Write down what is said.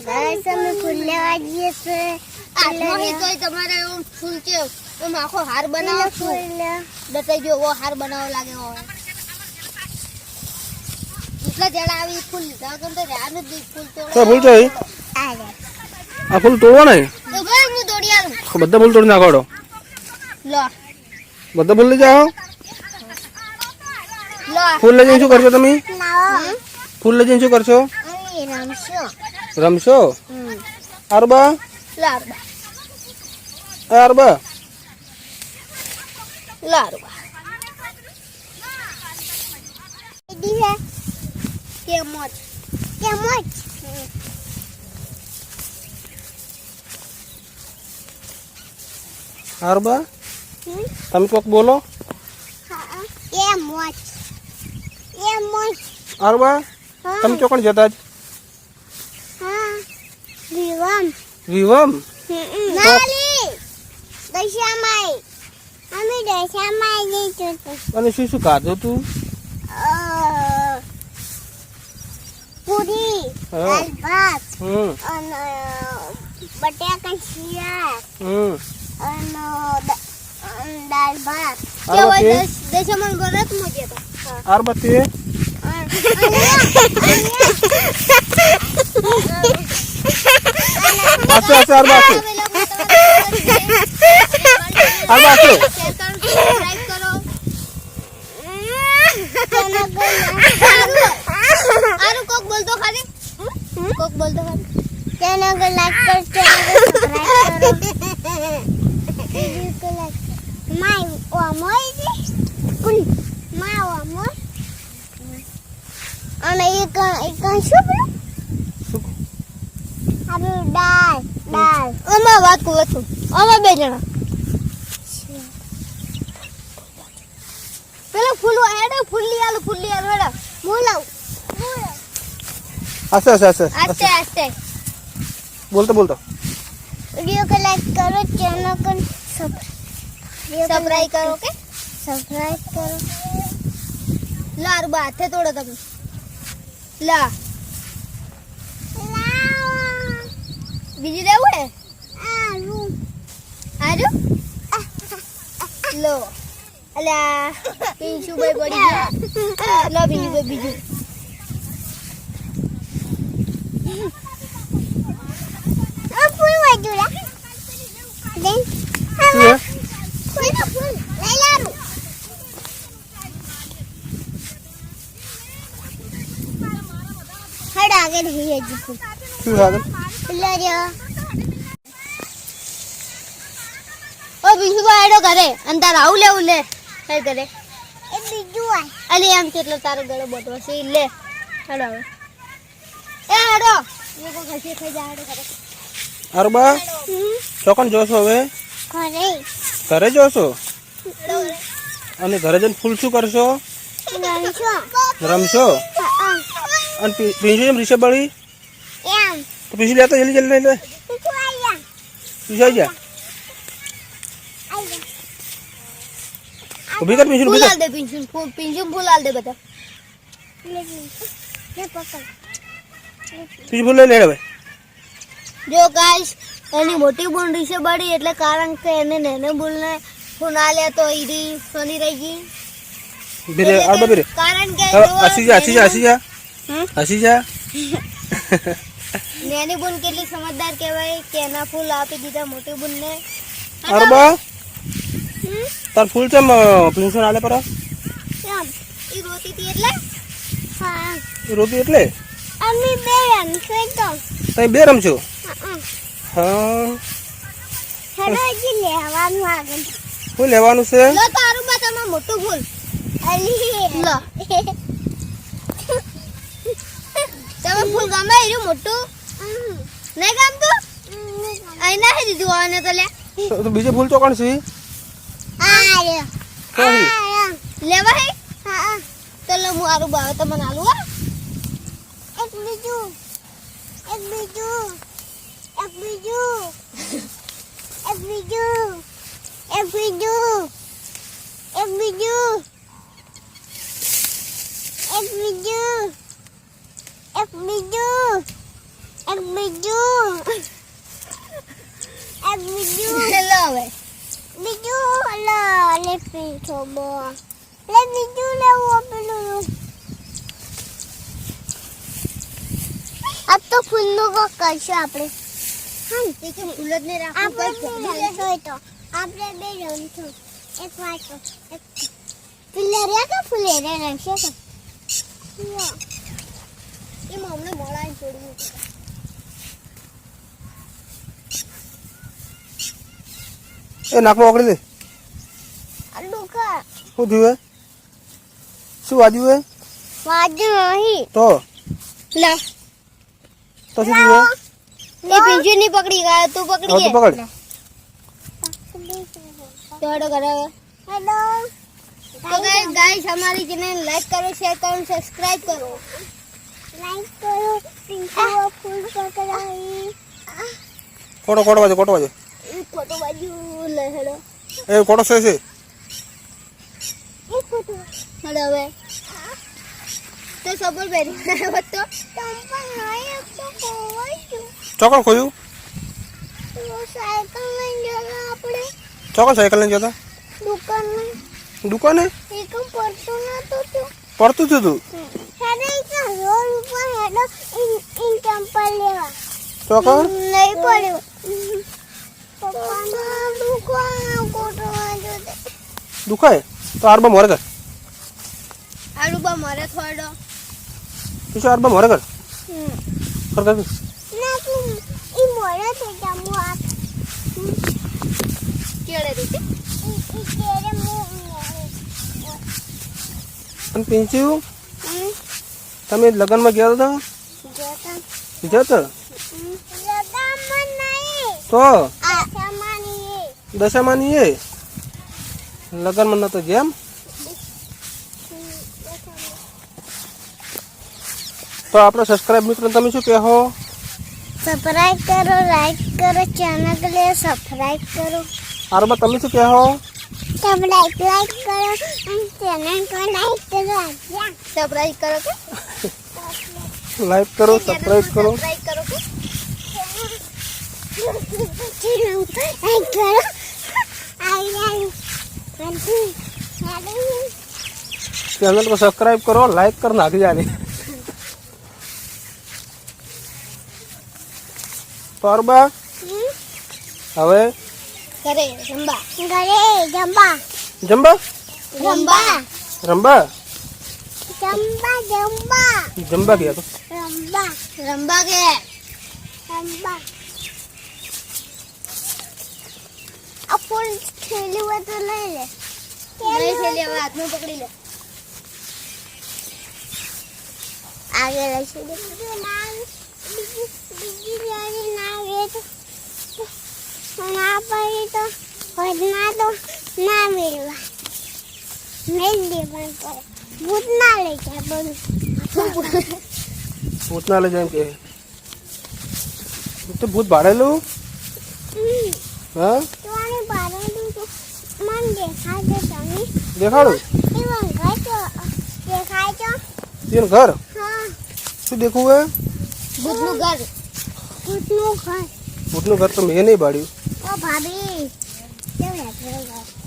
Guys અમે ફૂલ લેવા જઈએ છે આમાં હી તો તમારે ફૂલ છે તો આખો હાર બનાવો ફૂલ બતાઈ જો વો હાર બનાવવા લાગે હો એટલા જડા આવી ફૂલ લીધા તો ધ્યાન જ ફૂલ તોડો તો ફૂલ તો આવે આ ફૂલ તોડવા નહીં તો ભાઈ હું તોડી આલું બધા ફૂલ તોડી નાખો લો બધા ફૂલ લઈ જાઓ લો ફૂલ લઈ જઈને શું કરશો તમે લાવો ફૂલ લઈ જઈને શું કરશો અમે રમશો રમશો અરબા લારબા અરબા લારબા દી હે કેમોચ કેમોચ અરબા તમે કોક બોલો કેમોચ કેમોચ અરબા તમે ચોકણ જતા જ હા વિવમ વિવમ નાલી દશામાઈ અમે દશામાઈ જઈશું અને શું શું ખાધું તું પૂરી હા. દાળ ભાત અને બટાકા શિયાળ અને દાળ ભાત અરબા તે દેશમાં ગરત મજે તો અરબા તે આસો આસો અરબા આસો અરબા આસો આરું કોક બોલતો ખાલી કોક બોલતો ખાલી ચેનલ को लाइक करो चैनल को सब्सक्राइब करो वीडियो को लाइक माय ओमोय कुल माय ओमोय અને એક શું બોલું આપણે દાળ આમાં વાત કરું છું આમાં બે જણા પેલા ફૂલ હેડો ફૂલ્લી આલુ હેડો મુલાવ આસો આસો આસો આસ્તે આસ્તે બોલતો બોલતો वीडियो को लाइक करो चैनल को સબસ્ક્રાઇબ કરો કે सब्सक्राइब करो લાર બા હાથે તોડો તમે લા બીજી લેવું હે આજો લો અલ્યા પીંછું ભાઈ પડી ગયા લો બીજું फूल वजूला देन શું હે फूल ले लारू हट आगे नहीं है जी फूल શું આગળ लो रे ઓ પીંછું ભાઈ હેડો ઘરે અને તાર આવું લેવું લે કઈ કરે ए बीजू आ અલી આમ કેટલો તારો ગળો બોટવો છે ઈ લે હેડો હવે એ હેડો એ કો ખસી ખાઈ જા હેડો ઘરે અરબા ચોકણ જોશો હવે करे ઘરે જોશો હેડો ઘરે અને ઘરે જઈને ફૂલ શું કરશો रमशो રમશો અને પીંછું એમ રીસે બળી एम તો પીંછું લેતો જલ્દી જલ્દી લઈ લે तू आया પીંછું આવી જા आया ઊભી કર પીંછું ફૂલ ઊભી આલ કર દે પીંછું ફૂલ આલ દે બધા ले पकड़ પીંછું ફૂલ લઈ લે હવે જો ગાઈસ એની મોટી બોન રીસે બળી એટલે કારણ કે એને નેને બોલને ફોન આલ્યા તો ઈરી સોની રહી ગઈ બીરે અરબા બીરે કારણ કે હવે જો હસી જા હસી જા હસી જા હસી જા નેની બોન કેટલી સમજદાર કહેવાય કે એના ફૂલ આપી દીધા મોટી બોનને અરબા તાર ફૂલ ચમ પીંછું નાલે પર एम ઈ રોતી હતી એટલે हां રોતી એટલે अम्मी बे रमशो तो તમે બે રમશો हां હા हेलो जी लेવાનું આગળ શું લેવાનું છે લો તારું બા તમારું મોટું ફૂલ અલી લો તમે ફૂલ ગમે એનું મોટું નહીં ગમતું અહીં નાખી દીધું આને તો લે તો બીજે ફૂલ ચોકણ છે આયો કહી લેવા હે હા તો લો હું આરું બાવે તમને આલું હા એક બીજું એક બીજું એક બીજું એક બીજું એક બીજું એક બીજું એક બીજું એક બીજું એક બીજું એક બીજું હેલો હવે બીજું લે પીછો બો લે બીજું લેવું પેલું अब तो फूलों को करशो આપણે હા તે કે ફૂલ જ ને રાખવું આપણે પડશે રમશો તો આપણે બે રમશું એક વાતો એક ફુલેરિયા કે ફુલેરિયા રમશે તો એ મમને મોળાને છોડ્યું એ નાકમાં ઓગળી દે. અડુકા શું થયું હે? શું વાગ્યું હે? વાજુ નહીં તો લા તો શું થયું હે? એ પિંજુ ની પકડી ગયા તું હવે પકડી તો પકડ. તો હડો કરે હેલો तो गाइस हमारी चैनल लाइक करो शेयर करो सब्सक्राइब करो લાઈક કરો પિંકુ ફૂલ પકડાઈ કોટો કોટો વાજો કોટો વાજો. फोटो बाजू ले हेलो એ કોટો છે છે. એક ફોટો हेलो वे तो सबर बेरी तो તંપા નહીં તો કોઈ ચોકડ ખોયું. તો સાયકલ લઈને જતા આપણે ચોકડ સાયકલ લઈને જતા દુકાનમાં દુકાને એકમ પડતો નતો તો પડતું હતું તું. હેડે કા રોડ ઉપર હેડો ઇન ચંપલ લેવા ચોકડ નહીં પડ્યો પપ્પાના દુકાન કોટવા જોતે દુખાય તો આરબા મોરે કર. आलू बा मारे थोड़ो તું આરબા મોરે કર કર કર. ના તું ઈ મોડે થઈ જા મુ આ केड़े रूटी ઈ તેરે મુ અને પિંચુ તમે લગ્નમાં ગયા હતા જોતા જતો લગામણ નહીં તો આ સામાની દશામાની એ લગ્નમાં નતો જેમ. તો આપણો સબસ્ક્રાઇબ મિત્રો તમે શું કહો? સબસ્ક્રાઇબ કરો લાઈક કરો ચેનલ ને સબસ્ક્રાઇબ કરો આરબા તમે શું કહો? सब लाइक करो और चैनल को लाइक करो आज्ञा सरप्राइज करो के લાઈક કરો સબસ્ક્રાઇબ કરો. सब्सक्राइब करो के चलो लाइक करो आई ચેનલ को સબસ્ક્રાઇબ કરો લાઈક कर નાખી જાને. તો આરબા હવે करे रंबा गरे जंबा જંબા रंबा રંબા जंबा जंबा જંબા ગયા તો रंबा रंबा के रंबा अब फुल खेली हुआ तो ले ले नहीं खेलिए हाथ में पकड़ी ले आगे रखी दे नाम बिजी जाने ना ये तो ना पड़ी तो खोजना तो ना मिलवा मिल दे मन पर भूत ना ले क्या बोलूं ભૂતના લઈ જાય કે તો ભૂત ભાડેલું હા तुम्हारे बारे में तो मन देखा दे तनी દેખાડું इवन का तो देखा तो તેનું ઘર हाँ શું દેખવું હે? भूतनु घर भूतनु घर ભૂતનું ઘર તો મેં નહીં ભાડ્યું. ओ भाभी क्या बैठ रहे हो